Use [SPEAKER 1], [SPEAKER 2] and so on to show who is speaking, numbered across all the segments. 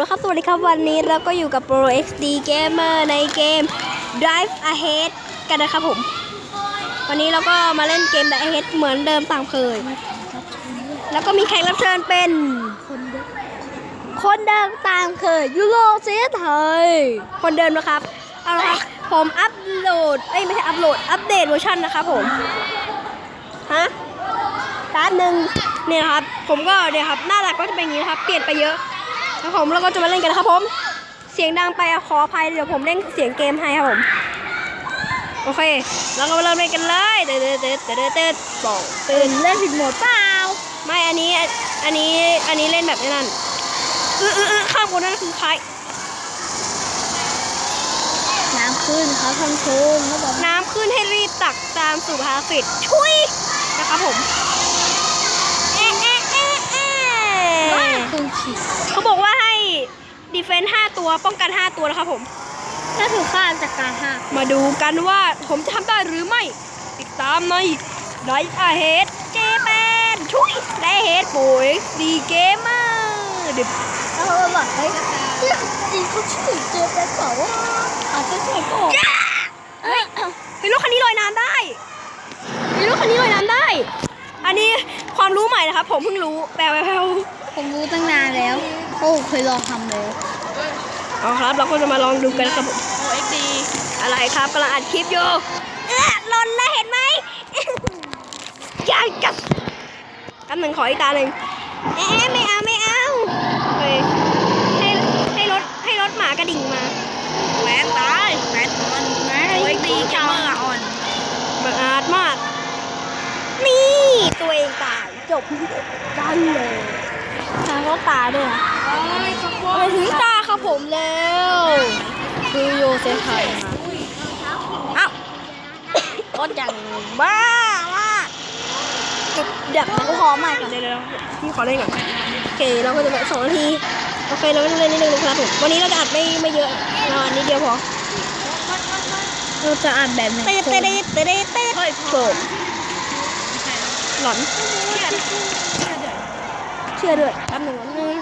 [SPEAKER 1] แล้วครับสวัสดีครับวันนี้เราก็อยู่กับ Pro XD Gamer ในเกม Drive Ahead กันนะครับผมวันนี้เราก็มาเล่นเกม Drive Ahead เหมือนเดิมตามเคยแล้วก็มีแขกรับเชิญเป็นคนเดิมตามเคยยูโรเซียไทยคนเดิมนะครับเอาละครับผมอัปโหลดไม่ใช่อัปโหลดอัปเดตเวอร์ชันนะครับผมฮะด้านหนึ่งเนี่ยครับผมก็เนี่ยครับหน้าหลักก็จะเป็นอย่างนี้ครับเปลี่ยนไปเยอะแล้วผมเราก็จะมาเล่นกันนะครับผมเสียงดังไปขออภัยเดี๋ยวผมเล่นเสียงเกมให้ครับผมโอเคเราก็มาเริ่มเล่นกันเลยเดินบอกตื่นเล่นผิดโหมดเปล่าไม่อันนี้เล่นแบบนั้นข้างบนนั่นคือใครน้ำขึ้นครับท่านชมน้ำขึ้นให้รีบตักตามสู่ภารกิจช่วยนะครับผมเขาบอกว่าให้ดีเฟนส์5ตัวป้องกัน5ตัวนะครับผมถ้าถูกฆ่าจากการ5มาดูกันว่าผมจะทำได้หรือไม่ติดตามในDrive Ahead เจแปนช่วย Drive Ahead โอ้ยดีเกมมากเดี๋ยวแบบเฮ้ยเขาชื่อเจแปนเปล่าวะอาจจะใช่ก็เฮ้ยรถคันนี้ลอยน้ำได้รถคันนี้ลอยน้ำได้อันนี้ความรู้ใหม่นะครับผมเพิ่งรู้แปล
[SPEAKER 2] ผมรู้ตั้งนานแล้วโอ้เคยลองทำเลย
[SPEAKER 1] เอาครับเราก็จะมาลองดูกันครับผมโอ้เอ็กดีอะไรครับกำลังอัดคลิปอยู่หล่นแล้วเห็นไหมยังจับกันหนึ่งขออีกตาหนึ่งไม่เอาให้รถหมากระดิ่งมาแหวนตายแหวนอ่อนโอ้เอ็กดีเกมเมอร์อ่อนบังอาจมากนี่ตัวเองตายจบกันเลยทางก็ตาด้วยไปถึงตาครับผมแล้วคือโยเซฟไทยมาอ้าวรถอย่างบ้ามากเดี๋ยวกูขอใหม่ก่อนเดี๋ยวพี่ขอเล่นก่อนโอเคเราก็จะแบบ2 นาทีโอเคเราก็จะเล่นนิดนึงนะครับผมวันนี้เราจะอัดไม่เยอะเราอัดนิดเดียวพอ
[SPEAKER 2] เราจะอ่านแบบไหน
[SPEAKER 1] เต้โผล่หลอนเชื่อด้วยแป๊บหนึ่ง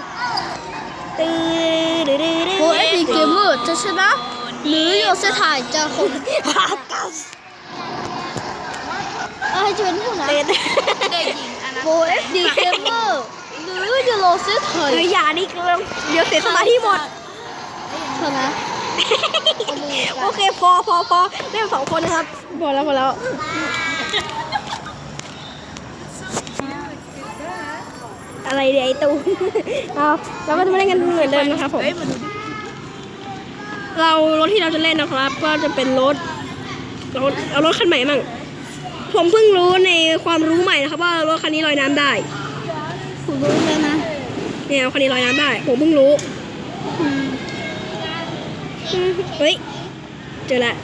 [SPEAKER 2] โอ้เอ็กดีเกมเมอร์จะชนะหรือโยเซถ่ายจะคนให้จะเป็นผู้นะโอ้เอ็กดีเกมเมอร์หรือโยเซถ่าย
[SPEAKER 1] อย่านี่เดี๋ยวเสียสมาธิหมด
[SPEAKER 2] เถอะนะ
[SPEAKER 1] โอเคพอเล่น2 คนนะครับพอแล้วอะไรเดี๋ยวไอ้ตูเราก็จะมาเล่นกันเหมือนเดิมนะครับผมรถที่เราจะเล่นนะครับก็จะเป็นรถเอารถคันใหม่มั่งผมเพิ่งรู้ในความรู้ใหม่นะครับว่ารถคันนี้ลอยน้ำได้
[SPEAKER 2] ผมรู้แล้วนะ
[SPEAKER 1] เนี่ยคันนี้ลอยน้ำได้ผมเพิ่งรู้เฮ้ยเจอละ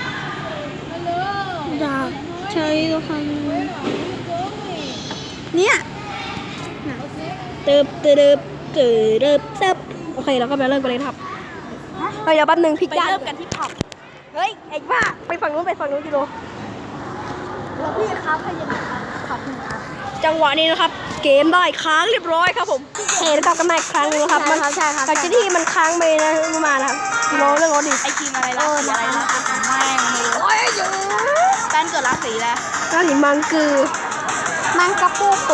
[SPEAKER 2] อยากใช้รถคันเนี่ย
[SPEAKER 1] ตึบโอเคเราก็ไปเริ่มกันเลยครับเดี๋ยวแป๊บนึงพลิกด้านเริ่มกันที่ผับเฮ้ยไอ้บ้าไปฝั่งนู้นกิโล
[SPEAKER 2] แล้วพี่ครับให้ยังไงครับ
[SPEAKER 1] จังหวะนี้นะครับเกมได้ค้างเรียบร้อยครับผมเห็นกับกันมาอีกครั้งนึงนะครับมันจากที่มันค้างไปนะมานะครับกิโลเรื่องรถดิ
[SPEAKER 2] ไอทีมอะไรล่ะสีอะไรล่ะไม่รู้
[SPEAKER 1] โอ้ยอยู่
[SPEAKER 2] แป้นเกิดราศีแล้ว
[SPEAKER 1] ราศีมังกระปูปู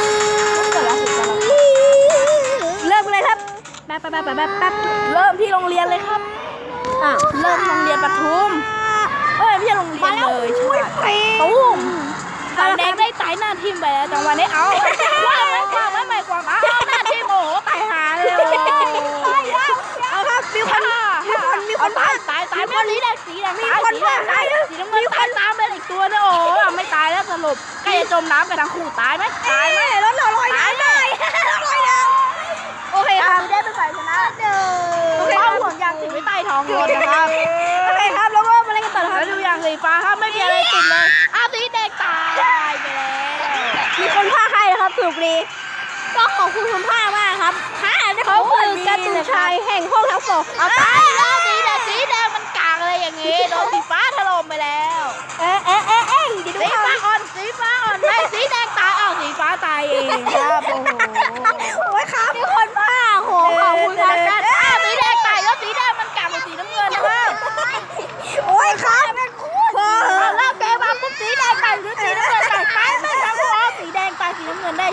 [SPEAKER 1] เริ่มเลยครับแป๊บเริ่มที่โรงเรียนเลยครับ
[SPEAKER 2] เริ่มโรงเรียนปทุมไม่ใช่โรงเรียนเลย
[SPEAKER 1] ช่วย
[SPEAKER 2] ตุ้มฝั่งแดงได้ตายหน้าทีมไปแล้วจังหวะนี้เอาว่าไม่ความหน้าทีมโอ้โหตายหาเลย
[SPEAKER 1] เอาครับมีคน
[SPEAKER 2] ตายไม่รีแดงสีแดงตายสีน้ำเงินตามไปอีกตัวเนี่ยโอ้ไม่ตายแล้วสรุปใกล้จะจมน้ำกันทั้งคู่ตายไหม
[SPEAKER 1] รถเราลอยน้ำได้โอเคครับ
[SPEAKER 2] ได้เป็นฝ่ายชนะเป้าห่วงยางติดไว้ใต้ท้องรถนะครับ
[SPEAKER 1] โอเคครับแล้วก็มาเล่นกันต่อครับ
[SPEAKER 2] แล้วดูยางสีฟ้าครับไม่มีอะไรติดเลยสีแดงตายไปแล้ว
[SPEAKER 1] มีคนพาใครนะครับถูกดีก็ขอบคุณคุณพ่อมากครับเขาคือการ์ตูนชายแห่งห้องทั้ง2
[SPEAKER 2] เอาตายแล้วสีแดงมันกากอะไรอย่างงี้โดนสีฟ้าถล่มไปแล้วสีฟ้าอ่อนไม่สีแดงตายสีฟ้าตายเองครับโอ้โห
[SPEAKER 1] ครับมีคนพาขอบคุณครับ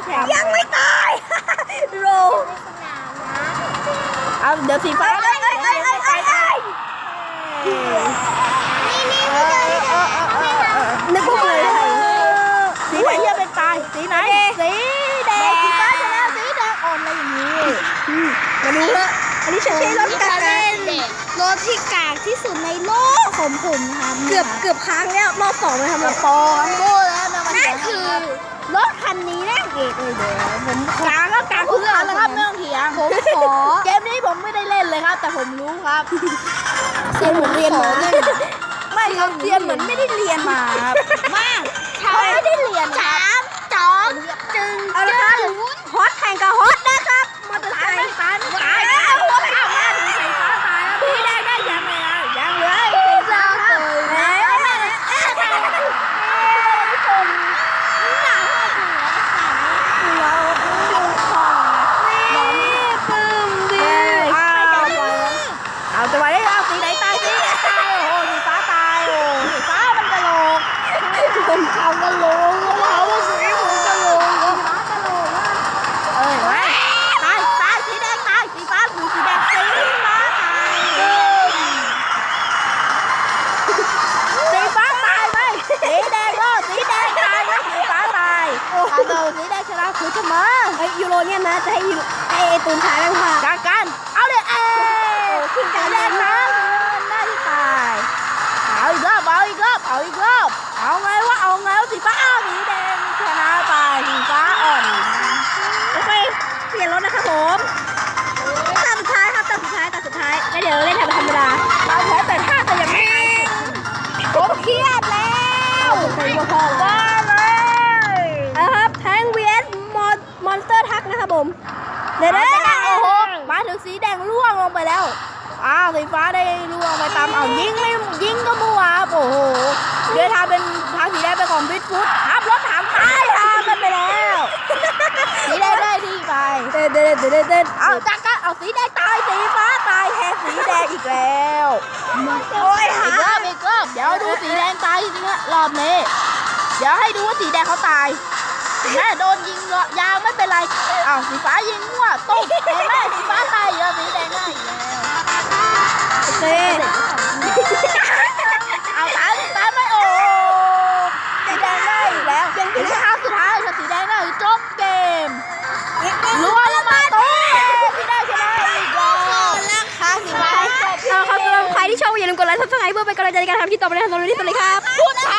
[SPEAKER 2] ชมป์
[SPEAKER 1] ยังไม่ตาย โร
[SPEAKER 2] เอาเดี๋ยวสีฟ้า
[SPEAKER 1] เอ้ยนึกว่าเลย
[SPEAKER 2] สีไหนจะเป็นตายสีไหนสีแดงสีฟ้าชนะสีแดงอ่อนอะไรอย่างนี้
[SPEAKER 1] มาดูว่าอันนี้ฉันใช้รถกากรถที่กากที่สุดในโลกของผมครับเกือบค้างแล้วรอบ2เลยครับ
[SPEAKER 2] ปอโก้แล้วนะมัน
[SPEAKER 1] นั่นคือรถคันนี้นะเอกเลยเดี๋ยวผม
[SPEAKER 2] กลางก็กลางทุกคันนะครับไม่ต้องเถียง
[SPEAKER 1] ผมขอ
[SPEAKER 2] เกมนี้ผมไม่ได้เล่นเลยครับ แต่ผมรู้ครับ
[SPEAKER 1] เสียงเหมือนเรียนมา
[SPEAKER 2] ไม่ครับเรียนเหมือนไม่ได้เรียนมาครับมาเขาไม่ได้เรียนครับ
[SPEAKER 1] จึงเอาละครับฮอตแข่งกับฮอตนะครับมอเตอร์ไซค์
[SPEAKER 2] ตายหัวไปเอามาถึงสีฟ้าตายแล้วพี่ได้ยังไงยังเลยสีฟ้าเอาจะมาได้เอาสีไหนตายสีไหนตายโอ้โหสีฟ้าตายโอ้สีฟ้ามันกระโหลก
[SPEAKER 1] ผมเขากระโหลกเขาสีผมกระโหลก
[SPEAKER 2] เอ้ยไม่ตายสีแดงตายสีฟ้าสีแดงสีฟ้าตายสีฟ้าตายไหมสีแดงก็สีแดงตายไหมสีฟ้าตายเอาสีแดงชนะคือเสมอ
[SPEAKER 1] ไอยูโรเนี่ยนะจะให้ไอตูนชายแม่งพา
[SPEAKER 2] จากกันเอาเลยขึ้นสีแดงนะหน้าที่ตายเอาอีกรอบเอาอีกรอบเอาอีกรอบเอาไงวะเอาไงวะสีฟ้าสีแดงชนะไปสีฟ้าอ่อน
[SPEAKER 1] โอเคเปลี่ยนรถนะครับผมตาสุดท้ายครับตาสุดท้ายแล้วเดี๋ยวเล่นธรรมดา
[SPEAKER 2] เราแพ้แต่ท่าแต่ยังไม่หายผมเครียดแล้ว
[SPEAKER 1] เป็นพอๆ
[SPEAKER 2] บ้าเลย
[SPEAKER 1] ครับแทง vs มอนสเตอร์ทักนะครับผมเดี๋ยว
[SPEAKER 2] โอ้โหมาถึงสีแดงล่วงลงไปแล้วสีฟ้าได้ล่วงไปตามยิงก็มัวโอ้โหเดี๋ยวทาเป็นทางสีแดงไปของพิทฟุตทับรถถังท้ายทางกันไปแล้วสีแดงได้ที่ไป
[SPEAKER 1] เดิน
[SPEAKER 2] เอาจักรเอาสีแดงตายสีฟ้าตายแทนสีแดงอีกแล้ว
[SPEAKER 1] โอ้ยหา
[SPEAKER 2] อีกรอบเดี๋ยวดูสีแดงตายจริงๆรอบนี้เดี๋ยวให้ดูว่าสีแดงเขาตายแม่โดนยิงยาวไม่เป็นไรสีฟ้ายิงมั่วตุ๊บเห็นไหมสีฟ้าตายเยอะสีแดงได้อีกแล้ว
[SPEAKER 1] โอเค
[SPEAKER 2] เอาตายไม่โอ้สีแดงได้อีกแล้วยังถึงครั้งสุดท้ายค่ะสีแดงได้จบเกมรัวแล้วมาตุ๊บสีแดงชนะอีกแล้วค่ะสีฟ้า
[SPEAKER 1] เอาครับสำหรับใครที่ชอบอย่าลืมกดไลค์ซับสไครป์เพื่อเป็นกำลังใจในการทำคลิปต่อไปนะครับสำหรับวันนี้สวัสดีครับ
[SPEAKER 2] พูดช้า